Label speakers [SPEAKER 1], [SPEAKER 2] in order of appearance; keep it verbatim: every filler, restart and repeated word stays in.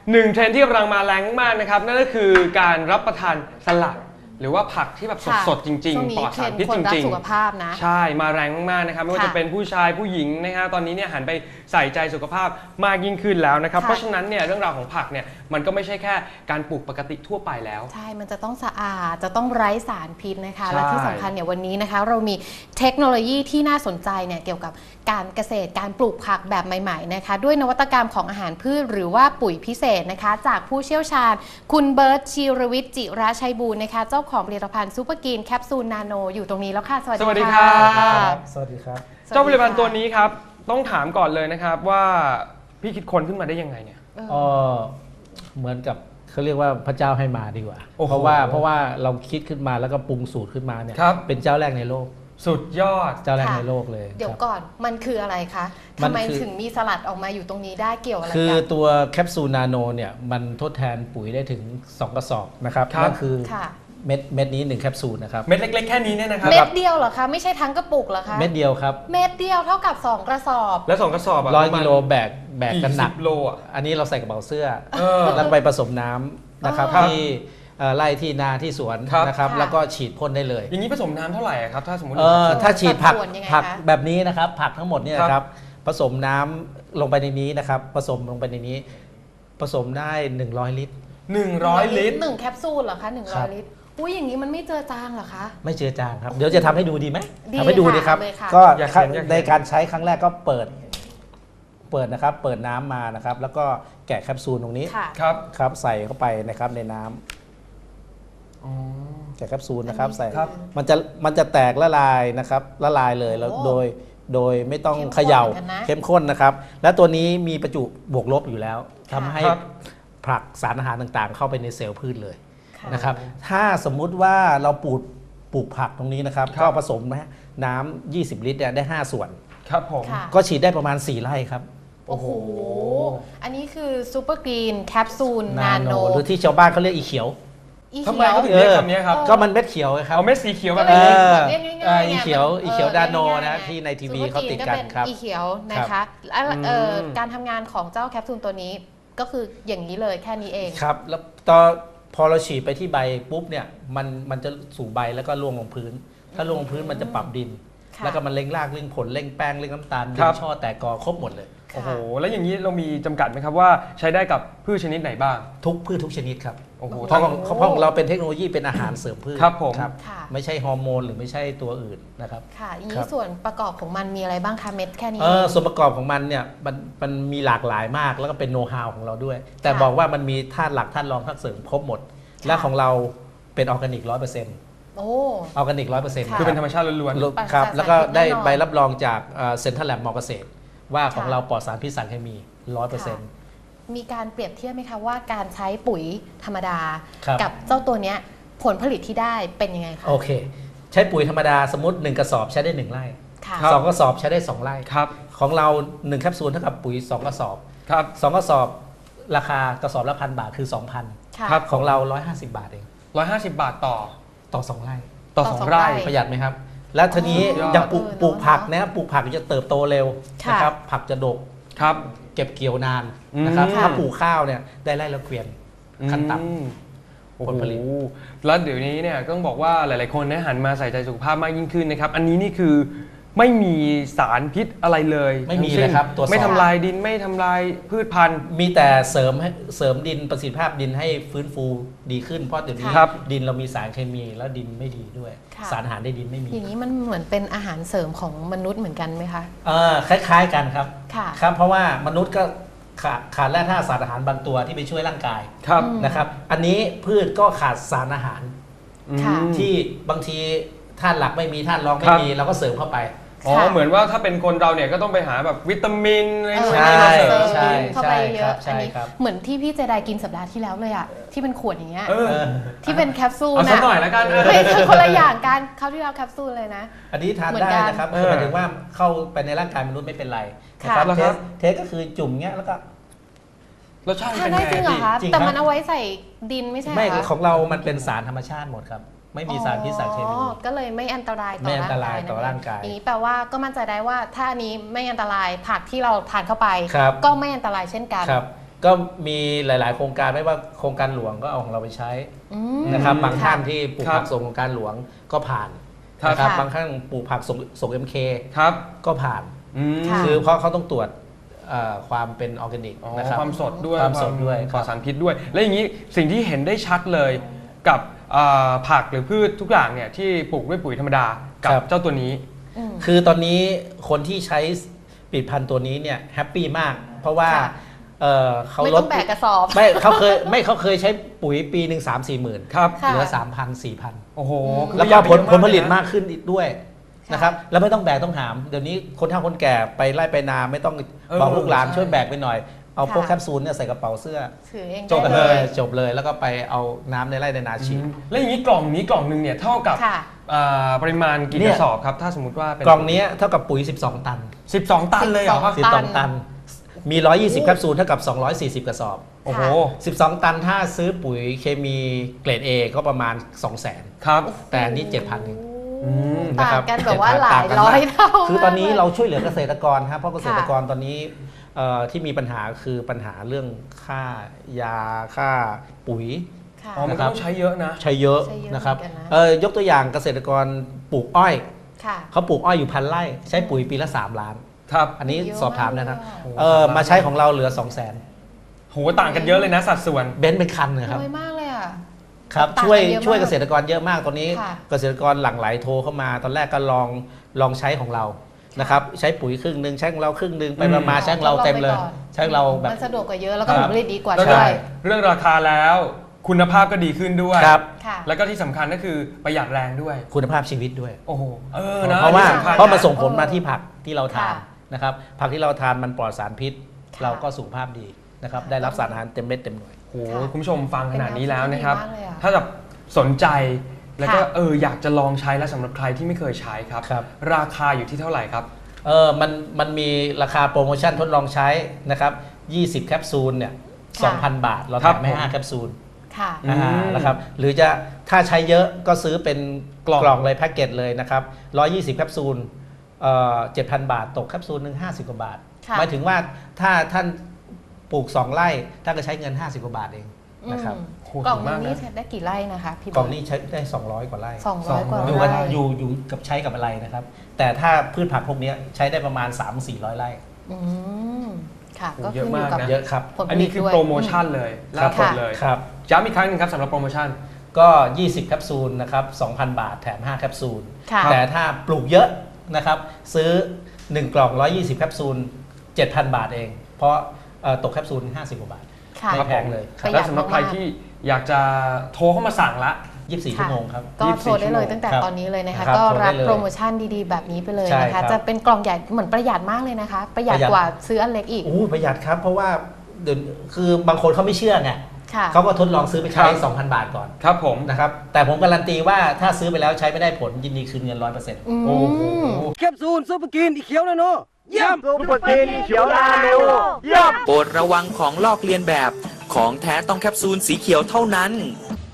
[SPEAKER 1] หนึ่งเทรนด์ที่กำลังมาแรงมากนะครับนั่นก็คือการรับประทานสลัดหรือว่าผักที่แบบสดๆจริงๆปลอดสารพิษจริงๆ
[SPEAKER 2] สุขภาพนะ
[SPEAKER 1] ใช่มาแรงมากๆนะครับไม่ว่าจะเป็นผู้ชายผู้หญิงนะครับตอนนี้เนี่ยหันไปใส่ใจสุขภาพมากยิ่งขึ้นแล้วนะครับเพราะฉะนั้นเนี่ยเรื่องราวของผักเนี่ยมันก็ไม่ใช่แค่การปลูกปกติทั่วไปแล้ว
[SPEAKER 2] ใช่มันจะต้องสะอาดจะต้องไร้สารพิษนะคะและที่สำคัญเนี่ยวันนี้นะคะเรามีเทคโนโลยีที่น่าสนใจเนี่ยเกี่ยวกับการเกษตรการปลูกผักแบบใหม่ๆนะคะด้วยนวัตกรรมของอาหารพืชหรือว่าปุ๋ยพิเศษนะคะจากผู้เชี่ยวชาญคุณเบิร์ตชีรวิทย์จิระชัยบูรณ์นะคะเจ้าของผลิตภัณฑ์ซูเปอร์กรีนแคปซูลนาโนอยู่ตรงนี้แล้วค่ะสวัสดีค่ะ
[SPEAKER 3] สวัสดีครับ
[SPEAKER 1] เจ้าผลิตภัณฑ์ตัวนี้ครับต้องถามก่อนเลยนะครับว่าพี่คิดค้นขึ้นมาได้ยังไงเนี่ย
[SPEAKER 3] อ๋อเหมือนกับเขาเรียกว่าพระเจ้าให้มาดีกว่าเพราะว่าเพราะว่าเราคิดขึ้นมาแล้วก็ปรุงสูตรขึ้นมาเนี่ยเป็นเจ้าแรกในโลก
[SPEAKER 1] สุดยอด
[SPEAKER 3] เจ้าแรกในโลกเลย
[SPEAKER 2] เดี๋ยวก่อนมันคืออะไรคะทำไมถึงมีสลัดออกมาอยู่ตรงนี้ได้เกี่ยวอะไรกัน
[SPEAKER 3] คือตัวแคปซูลนาโนเนี่ยมันทดแทนปุ๋ยได้ถึงสองกระสอบนะครับนั่นคือเม็ดเม็ดนี้หนึ่งแคปซูลนะครับ
[SPEAKER 1] เม็ดเล็กๆแค่นี้เนี่ยนะครับ
[SPEAKER 2] เม็ดเดียวเหรอคะไม่ใช่ทั้งกระปุกเหรอคะ
[SPEAKER 3] เม็ดเดียวครับ
[SPEAKER 2] เม็ดเดียวเท่ากับสองกระสอบ
[SPEAKER 1] แล้วสองกระสอบ
[SPEAKER 3] ร้อยกิโลแบกแบกกันหนัก
[SPEAKER 1] โลอ่ะ
[SPEAKER 3] อันนี้เราใส่กระเป๋าเสื้อแล้วไปผสมน้ำนะครับที่ไล่ที่นาที่สวนนะครับแล้วก็ฉีดพ่นได้เลย
[SPEAKER 1] อย่างนี้ผสมน้ำเท่าไหร่ครับถ้าสมมติ
[SPEAKER 3] ถ้าฉีดผักผักแบบนี้นะครับผักทั้งหมดเนี่ยครับผสมน้ำลงไปในนี้นะครับผสมลงไปในนี้ผสมได้หนึ่งร้อยลิตร
[SPEAKER 1] หนึ่งร้อยลิตร
[SPEAKER 2] หนึ่งแคปซูลเหรอคะหนึ่งร้อยลิตรอุ้ยอย่างนี้มันไม่เจอจางเหรอคะ
[SPEAKER 3] ไม่เจอจางครับเดี๋ยวจะทำให้ดูดีไหมทำให้ดูดีครับก็ในการใช้ครั้งแรกก็เปิดเปิดนะครับเปิดน้ำมานะครับแล้วก็แกะแคปซูลตรงนี้
[SPEAKER 1] ครับ
[SPEAKER 3] ครับใส่เข้าไปนะครับในน้ำแกะแคปซูลนะครับใส่มันจะมันจะแตกละลายนะครับละลายเลยแล้วโดยโดยไม่ต้องเขย่าเข้มข้นนะครับและตัวนี้มีประจุบวกลบอยู่แล้วทำให้ผลักสารอาหารต่างๆเข้าไปในเซลล์พืชเลยนะครับถ้าสมมุติว่าเราปลูกปลูกผักตรงนี้นะครับก็ผสมน้ำยี่สิบลิตรได้ห้าส่วน
[SPEAKER 1] ครับผม
[SPEAKER 3] ก็ฉีดได้ประมาณสี่ไร่ครับ
[SPEAKER 2] โอ้โหอันนี้คือซูเปอร์กรีนแคปซูลนาโน
[SPEAKER 3] หรือที่ชาวบ้านเขาเรียกอีเขียว
[SPEAKER 1] ทำไมเขาถึงเรียกคำนี้ครับ
[SPEAKER 3] ก็มันเม็ดเขียวครับ
[SPEAKER 1] เอาเม็ดสีเขียวแบบนี้
[SPEAKER 3] อีเขียวอีเขียวดาโนนะที่ในทีวีเขาติดกันครับ
[SPEAKER 2] อีเขียวนะคะการทำงานของเจ้าแคปซูลตัวนี้ก็คืออย่างนี้เลยแค่นี้เอง
[SPEAKER 3] ครับแล้วตอนพอเราฉีดไปที่ใบปุ๊บเนี่ยมันมันจะสู่ใบแล้วก็ร่วงลงพื้นถ้าร่วงลงพื้นมันจะปรับดินแล้วก็มันเร่งรากเร่งผลเร่งแป้งเร่งน้ำตาลเร่งช่อแตกกอครบหมดเลย
[SPEAKER 1] โอ้โหแล้วอย่างนี้เรามีจำกัดไหมครับว่าใช้ได้กับพืชชนิดไหนบ้าง
[SPEAKER 3] ทุกพืชทุกชนิดครับโอ้โหเพราะเพราะเราเป็นเทคโนโลยีเป็นอาหารเสริมพืช
[SPEAKER 1] ครับผม
[SPEAKER 3] ไม่ใช่ฮอร์โมนหรือไม่ใช่ตัวอื่นนะครับ
[SPEAKER 2] ค่ะอย่างนี้ส่วนประกอบของมันมีอะไรบ้างคะเม็ดแค่นี้
[SPEAKER 3] เออส่วนประกอบของมันเนี่ยมันมันมีหลากหลายมากแล้วก็เป็นโน้ตฮาวของเราด้วยแต่บอกว่ามันมีธาตุหลักธาตุรองธาตุเสริมครบหมดและของเราเป็นออร์แกนิกร้อยเปอร์เซ็นต์
[SPEAKER 2] โอ้
[SPEAKER 3] ออร์แกนิกร้อยเปอร์เซ็นต์
[SPEAKER 1] คือเป็นธรรมชาติล้วน
[SPEAKER 3] ๆครับแล้วก็ได้ใบรับรองจากเซ็นทรัลแลบมอเกษตรว่าของเราปลอดสารพิษสารเคมีร้อยเปอร์เซ็นต์
[SPEAKER 2] มีการเปรียบเทียบไหมคะว่าการใช้ปุ๋ยธรรมดากับเจ้าตัวนี้ผลผลิตที่ได้เป็นยังไงคะ
[SPEAKER 3] โอเคใช้ปุ๋ยธรรมดาสมมติหนึ่งกระสอบใช้ได้หนึ่งไร่สองกระสอบใช้ได้สองไร่ของเราหนึ่งแคปซูลเท่ากับปุ๋ยสองกระสอบสองกระสอบราคากระสอบละพันบาทคือ สองพัน ครับของเราหนึ่งร้อยห้าสิบบาทเอง
[SPEAKER 1] หนึ่งร้อยห้าสิบบาทต่อ
[SPEAKER 3] ต่อสองไร่
[SPEAKER 1] ต่อสองไร่
[SPEAKER 3] ประหยัดไหมครับแล้วทีนี้อย่างปลูกปลูกผักนะปลูกผักจะเติบโตเร็วนะครับผักจะดก
[SPEAKER 1] ครับ
[SPEAKER 3] เก็บเกี่ยวนานนะครับถ้าปลูกข้าวเนี่ยได้ไร่ละเกวียนขั้นต่ำผลผลิต
[SPEAKER 1] แล้วเดี๋ยวนี้เนี่ยต้องบอกว่าหลายๆคนหันมาใส่ใจสุขภาพมากยิ่งขึ้นนะครับอันนี้นี่คือไม่มีสารพิษอะไรเลย
[SPEAKER 3] ไม่มีเลยครับ
[SPEAKER 1] ตัวไม่ทำลายดินไม่ทำลายพืชพันธุ์
[SPEAKER 3] มีแต่เสริมให้เสริมดินประสิทธิภาพดินให้ฟื้นฟูดีขึ้นเพราะเดี๋ยวนี้ดินเรามีสารเคมีแล้วดินไม่ดีด้วยสารอาหารในดินไม่มี
[SPEAKER 2] อย่างนี้มันเหมือนเป็นอาหารเสริมของมนุษย์เหมือนกันไหมคะ
[SPEAKER 3] เออคล้ายๆกันครับครับเพราะว่ามนุษย์ก็ขาดขาดแร่ธาตุสารอาหารบางตัวที่ไปช่วยร่างกายนะครับอันนี้พืชก็ขาดสารอาหารที่บางทีธาตุหลักไม่มีธาตุรองไม่มีเราก็เสริมเข้าไป
[SPEAKER 1] อ๋อเหมือนว่าถ้าเป็นคนเราเนี่ยก็ต้องไปหาแบบวิตามินอะไรนู่น
[SPEAKER 2] นี่
[SPEAKER 1] มาเสริม
[SPEAKER 2] เข้าไปเยอะอันนี้เหมือนที่พี่เจไดกินสัปดาห์ที่แล้วเลยอ่ะที่เป็นขวดอย่างเงี้ยที่เป็นแคปซูล
[SPEAKER 1] นะเอาสักหน่อยแล้วกัน
[SPEAKER 2] ไม่ใช่คนละอย่างกันเขาที่เราแคปซูลเลยนะ
[SPEAKER 3] อันนี้ทานได้นะครับหมายถึงว่าเข้าไปในร่างกายมนุษย์ไม่เป็นไรนะครับเทสเทสก็คือจุ่มเงี้ยแล้วก็
[SPEAKER 1] รสชาติเป็น
[SPEAKER 2] ไงจริงเหรอคะแต่มันเอาไว้ใส่ดินไม่ใช่
[SPEAKER 3] ไม่ของเรามันเป็นสารธรรมชาติหมดครับไม่มีสารพิษสารเคมี
[SPEAKER 2] ก็เลยไม่อันตรายต่อ
[SPEAKER 3] ร่างกาย
[SPEAKER 2] อย่างนี้แปลว่าก็มั่นใจได้ว่าถ้าอันนี้ไม่อันตรายผักที่เราทานเข้าไปก็ไม่อันตรายเช่นกัน
[SPEAKER 3] ก็มีหลาย ๆ โครงการไม่ว่าโครงการหลวงก็เอาของเราไปใช้
[SPEAKER 2] อืม
[SPEAKER 3] นะครับบางท่าน
[SPEAKER 2] ค่ะ
[SPEAKER 3] ที่ปลูก
[SPEAKER 1] ครับ
[SPEAKER 3] ผักส่งโครงการหลวงก็ผ่าน
[SPEAKER 1] ครับ
[SPEAKER 3] นะครับ
[SPEAKER 2] ค่ะ
[SPEAKER 3] บางท่านปลูกผักส่งส่ง เอ็ม เค
[SPEAKER 1] ครับ
[SPEAKER 3] ก็ผ่าน
[SPEAKER 1] อืม
[SPEAKER 2] ค่ะ
[SPEAKER 3] คือเพราะเขาต้องตรวจเอ่อความเป็นออร์แกนิก
[SPEAKER 1] อ๋อ
[SPEAKER 3] นะครับ
[SPEAKER 1] ความสดด้วย
[SPEAKER 3] ความสดด้วย
[SPEAKER 1] ปลอดสารพิษด้วย และอย่างนี้สิ่งที่เห็นได้ชัดเลยกับเอ่อผักหรือพืชทุกอย่างเนี่ยที่ปลูกด้วยปุ๋ยธรรมดากับเจ้าตัวนี้
[SPEAKER 2] อืม
[SPEAKER 3] คือตอนนี้คนที่ใช้ผลิตภัณฑ์ตัวนี้เนี่ยแฮปปี้มาก เพราะว่า
[SPEAKER 2] ค่ะ
[SPEAKER 3] เอ่อเขา
[SPEAKER 2] ไม่
[SPEAKER 3] ล
[SPEAKER 2] ต้
[SPEAKER 3] ด
[SPEAKER 2] องแบกกระสอบ
[SPEAKER 3] ไม่เขาเคยไม่เขาเคยใช้ปุ๋ยปีหนึ่งสามสี่หมื่น
[SPEAKER 1] ครับ
[SPEAKER 2] ค่ะ
[SPEAKER 3] เหลือสามพันสี่พัน
[SPEAKER 1] โอ้โห
[SPEAKER 2] อืม
[SPEAKER 3] แล้วก็ผลผลผลิต
[SPEAKER 1] เยอะ
[SPEAKER 3] มากขึ้นอีกด้วย
[SPEAKER 2] ค่ะ
[SPEAKER 3] นะครับแล้วไม่ต้องแบกต้องหาม เดี๋ยวนี้คนเฒ่าคนแก่ไปไล่ไปนาไม่ต้อง
[SPEAKER 1] เออ
[SPEAKER 3] บอกลูกหลาน
[SPEAKER 1] ใช่
[SPEAKER 3] ช่วยแบกไปหน่อย เอาพวก
[SPEAKER 2] ค่ะ
[SPEAKER 3] แคปซูลเนี่ยใส่กระเป๋าเสื้อ
[SPEAKER 2] ถือเอง
[SPEAKER 3] จบ
[SPEAKER 2] ได้
[SPEAKER 3] เล
[SPEAKER 2] เลย ย
[SPEAKER 3] จบเลยแล้วก็ไปเอาน้ำในไร่ในนาฉีด
[SPEAKER 1] อืมแล้วอย่างนี้กล่องนี้กล่องหนึ่งเนี่ยเท่ากับ
[SPEAKER 2] ค่ะ
[SPEAKER 1] อ่าปริมาณกี่
[SPEAKER 3] เนี่
[SPEAKER 1] ก
[SPEAKER 3] ย
[SPEAKER 1] ระสอบครับถ้าสมมติว่าเป็น
[SPEAKER 3] กล่องนี้เท่ากับปุ๋ย สิบสอง ตัน
[SPEAKER 1] สิบสองตันเลยเหรอครับ
[SPEAKER 3] สิบสองตัน มี หนึ่งร้อยยี่สิบ แคปซูลเท่ากับ สองร้อยสี่สิบ กระสอบ
[SPEAKER 1] โอ้โห
[SPEAKER 3] สิบสอง ตันถ้าซื้อปุ๋ยเคมีเกรด A ก็ประมาณ สองแสน
[SPEAKER 1] ครับ
[SPEAKER 3] แต่อันนี้ เจ็ดพัน เอง
[SPEAKER 1] อืม
[SPEAKER 2] ต่างกันแบบว่า
[SPEAKER 3] เจ็ดพัน
[SPEAKER 2] หลาย
[SPEAKER 3] ต่งกัน
[SPEAKER 2] ร้อย
[SPEAKER 3] มก
[SPEAKER 2] เท่า
[SPEAKER 3] คือตอนนี้
[SPEAKER 2] มกลย
[SPEAKER 3] เราช่วยเหลือเกษตรกรครับเพราะเกษตรกร
[SPEAKER 2] ค่ะ
[SPEAKER 3] ตอนนี้เอ่อที่มีปัญหาคือปัญหาเรื่องค่ายาค่าปุ๋ย
[SPEAKER 2] ค่ะ
[SPEAKER 1] อ๋อมันก็ต้องใช้เยอะนะ
[SPEAKER 3] ใช้เยอะ
[SPEAKER 2] ใช้เยอะ
[SPEAKER 3] นะครับ
[SPEAKER 2] เหมือนกันนะ
[SPEAKER 3] เออยกตัวอย่างเกษตรกรปลูกอ้อย
[SPEAKER 2] ค่ะ
[SPEAKER 3] เขาปลูกอ้อยอยู่พันไร่ใช้ปุ๋ยปีละ สาม ล้าน
[SPEAKER 1] ครับ
[SPEAKER 3] อันนี้
[SPEAKER 2] เยอะ
[SPEAKER 3] สอบถามนะครับ
[SPEAKER 2] มากเลยอะ
[SPEAKER 1] โอ้โห
[SPEAKER 3] เออมาใช้ของเราเหลือ สองแสน
[SPEAKER 1] โหต่างกันเยอะเลยนะสัดส่วน
[SPEAKER 3] เบนซ์เป็นคันนะครับ
[SPEAKER 2] น้อยมากเลยอ่ะ
[SPEAKER 3] ครับ
[SPEAKER 2] ต่างกัน
[SPEAKER 3] ช่วย
[SPEAKER 2] เยอะมาก
[SPEAKER 3] ช่วยเกษตรกรเยอะมากตอนนี้
[SPEAKER 2] ค่ะ
[SPEAKER 3] เกษตรกรหลั่งไหลโทรเข้ามา ตอนแรกก็ลองลองใช้ของเรานะครับใช้ปุ๋ยครึ่งหนึ่งใช้ของเราครึ่งหนึ่งไป
[SPEAKER 1] อืม
[SPEAKER 3] มาๆใช้ของเราเต็มเลย
[SPEAKER 2] ทดองไปก่อน
[SPEAKER 3] ใช้ของเราแบบ
[SPEAKER 2] มันสะดวกกว่าเยอะแล้วก็
[SPEAKER 3] ค
[SPEAKER 2] ผ
[SPEAKER 3] รั
[SPEAKER 2] ล
[SPEAKER 3] บ
[SPEAKER 2] ผลิตดีกว่า
[SPEAKER 1] แล้ว
[SPEAKER 2] ด้
[SPEAKER 1] ก็
[SPEAKER 2] วย
[SPEAKER 1] เรื่องราคาแล้วคุณภาพก็ดีขึ้นด้วย
[SPEAKER 3] ครับ
[SPEAKER 2] ค่ะ
[SPEAKER 1] แล้วก็ที่สำคัญก็คือประหยัดแรงด้วย
[SPEAKER 3] คุณภาพชีวิตด้วย
[SPEAKER 1] โอ้โหเออนะ
[SPEAKER 3] เพราะว่า
[SPEAKER 1] อันนี้สำคัญ
[SPEAKER 3] เพราะมัน
[SPEAKER 1] นะ
[SPEAKER 3] ส่งผลมาที่ผักที่เราทาน
[SPEAKER 2] ค่ะ
[SPEAKER 3] นะครับผักที่เราทานมันปลอดสารพิษ
[SPEAKER 2] ค่ะ
[SPEAKER 3] เราก็สุขภาพดีนะครับได้รับสารอาหารเต็มเม็ดเต็มหน่วย
[SPEAKER 1] โอ้โหคุณผู้ชมฟังขนาดนี้แล้วนะครับ
[SPEAKER 2] เป็นแนวคิดที่ดีมากเลยอะ
[SPEAKER 1] ถ้าแบบสนใจแล้วก็
[SPEAKER 2] ค่ะ
[SPEAKER 1] เอออยากจะลองใช้แล้วสำหรับใครที่ไม่เคยใช้ครับ
[SPEAKER 3] ครับ
[SPEAKER 1] ราคาอยู่ที่เท่าไหร่ครับ
[SPEAKER 3] เออมันมันมีราคาโปรโมชั่นทดลองใช้นะครับยี่สิบแคปซูลเนี่ย
[SPEAKER 2] ค่ะ
[SPEAKER 3] สองพัน บาท เรา
[SPEAKER 1] ครั
[SPEAKER 3] แถ
[SPEAKER 1] บ
[SPEAKER 3] มให้
[SPEAKER 1] ผม
[SPEAKER 3] ห้าแคปซูล
[SPEAKER 2] ค่ะ
[SPEAKER 1] อืม
[SPEAKER 3] อ่านะครับหรือจะถ้าใช้เยอะก็ซื้อเป็น
[SPEAKER 1] กล่อง
[SPEAKER 3] กล่องเลยแพ็กเกจเลยนะครับหนึ่งร้อยยี่สิบแคปซูลเอ่อเจ็ดพัน บาท ตกแคปซูลหนึ่งห้าสิบกว่าบาท
[SPEAKER 2] ค่ะ
[SPEAKER 3] หมายถึงว่าถ้าท่านปลูกสองไร่ท่านก็ใช้เงินห้าสิบกว่าบาทเองนะครับ
[SPEAKER 2] อืม
[SPEAKER 1] โห
[SPEAKER 2] กล่อง
[SPEAKER 1] ถูกมาก
[SPEAKER 2] นึง
[SPEAKER 1] นะ
[SPEAKER 2] นี่ใช้ได้กี่ไร่นะคะพี่
[SPEAKER 3] กล่องนี้ใช้ได้สองร้อยกว่าไร่
[SPEAKER 2] สองร้อยกว่า
[SPEAKER 3] อยู่กัน
[SPEAKER 2] ไร่
[SPEAKER 3] อยู่อยู่กับใช้กับอะไรนะครับ แต่ถ้าพืชผักพวกนี้ใช้ได้ประมาณ สามถึงสี่ร้อย ไร่
[SPEAKER 2] อืมค่ะ
[SPEAKER 1] โอ้
[SPEAKER 2] ก็
[SPEAKER 1] เยอะ
[SPEAKER 2] ขึ้นอยู่
[SPEAKER 1] มาก
[SPEAKER 2] กับ
[SPEAKER 1] นะ
[SPEAKER 3] เยอะครับ
[SPEAKER 2] ผลผ
[SPEAKER 1] อัน
[SPEAKER 2] ลิ
[SPEAKER 1] นี้
[SPEAKER 2] ต
[SPEAKER 1] คือ
[SPEAKER 2] ด้วย
[SPEAKER 1] โปรโมชั่นเลยล่าสุดเลย
[SPEAKER 3] ครับ
[SPEAKER 1] ย้ำอีกครั้งหนึงครับสำหรับโปรโมชั่น
[SPEAKER 3] ก็ ยี่สิบ แคปซูลนะครับ สองพัน บาท แถม ห้า แคปซูล
[SPEAKER 2] ค่ะ
[SPEAKER 3] แต่ถ้าปลูกเยอะนะครับ ซื้อ หนึ่ง กล่อง หนึ่งร้อยยี่สิบ แคปซูล เจ็ดพัน บาทเอง เพราะเอ่อตกแคปซูล ห้าสิบ กว่าบาท
[SPEAKER 2] ค่ะ
[SPEAKER 3] ไม่แพงเลยค
[SPEAKER 2] ป
[SPEAKER 3] รับ
[SPEAKER 2] ระหยั
[SPEAKER 1] และ
[SPEAKER 2] ด
[SPEAKER 1] สำหรับใคร
[SPEAKER 2] มากๆ
[SPEAKER 1] ที่อยากจะโทรเข้ามาสั่งละ
[SPEAKER 3] ยี่สิบสี่
[SPEAKER 2] ค่ะ
[SPEAKER 3] ชั่วโมงครับ
[SPEAKER 2] ก็
[SPEAKER 1] ยี่สิบสี่
[SPEAKER 2] โทรได้เลย
[SPEAKER 1] ชั่วโมง
[SPEAKER 2] ตั้งแต่
[SPEAKER 3] ครับ
[SPEAKER 2] ตอนนี้เลยนะคะ
[SPEAKER 3] ครับ
[SPEAKER 2] ก็
[SPEAKER 3] โทรได้
[SPEAKER 2] รับ
[SPEAKER 3] เลย
[SPEAKER 2] โปรโมชั่นดีๆ แบบนี้ไปเลย
[SPEAKER 3] ใช่
[SPEAKER 2] นะ
[SPEAKER 3] ครั
[SPEAKER 2] คะ
[SPEAKER 3] บ
[SPEAKER 2] จะเป็นกล่องใหญ่เหมือนประหยัดมากเลยนะคะ ประหยัด
[SPEAKER 3] ประหยัด
[SPEAKER 2] กว่าซื้ออันเล็กอีก
[SPEAKER 3] โอ้ประหยัดครับ เพราะว่าเดี๋ยวคือบางคนเขาไม่เชื่อไง
[SPEAKER 2] ค่ะ
[SPEAKER 3] เขาก็ทดลองซื้อไปใช้
[SPEAKER 1] ครับ
[SPEAKER 3] สองพัน บาทก่อน
[SPEAKER 1] ครับผม
[SPEAKER 3] นะครับแต่ผมการันตีว่าถ้าซื้อไปแล้วใช้ไม่ได้ผลยินดีคืนเงินร้อยเปอร์เซ็นต์
[SPEAKER 2] อืม
[SPEAKER 1] โอ้โห
[SPEAKER 4] แคปซูลซุปเปอร์กินอีเขียวนาโนเยี่ยม
[SPEAKER 5] ซุปเปอร์กินเขียวนาโนเยี่ยม
[SPEAKER 6] โปรดระวังของลอกเลียนแบบ ของแท้ต้องแคปซูลสีเขียวเท่านั้น